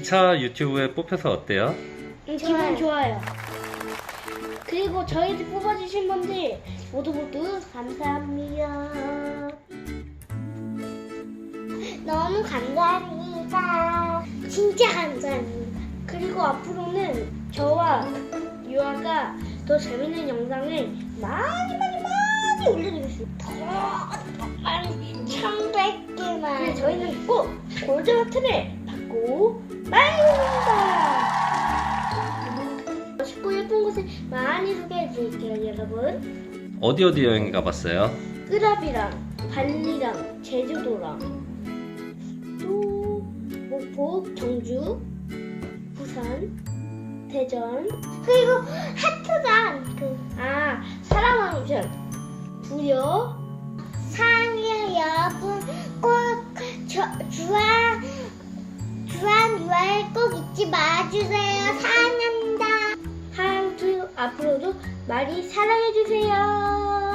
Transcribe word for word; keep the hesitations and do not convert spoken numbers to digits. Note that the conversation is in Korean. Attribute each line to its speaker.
Speaker 1: 기차 유튜브에 뽑혀서 어때요?
Speaker 2: 음, 기분 좋아요. 그리고 저희를 뽑아주신 분들 모두 모두 감사합니다.
Speaker 3: 너무 감사합니다. 진짜 감사합니다.
Speaker 2: 그리고 앞으로는 저와 유아가 더 재밌는 영상을 많이 많이 많이 올려드리겠습니다.
Speaker 3: 더 많이 천백 개만.
Speaker 2: 그래 저희는 꼭 골드버튼을 받고 말입니다. 멋있고 예쁜 곳을 많이 소개해드릴게요 여러분.
Speaker 1: 어디 어디 여행 가봤어요?
Speaker 2: 끄랍이랑 발리랑 제주도랑 또 목포, 경주, 부산, 대전,
Speaker 3: 그리고 하트단 그
Speaker 2: 아 사랑왕전, 부여,
Speaker 3: 상해 여러분 꼭 저, 주한 주한 유아를 꼭 잊지 마주세요. 사랑합니다.
Speaker 2: 하양투 앞으로도 많이 사랑해주세요.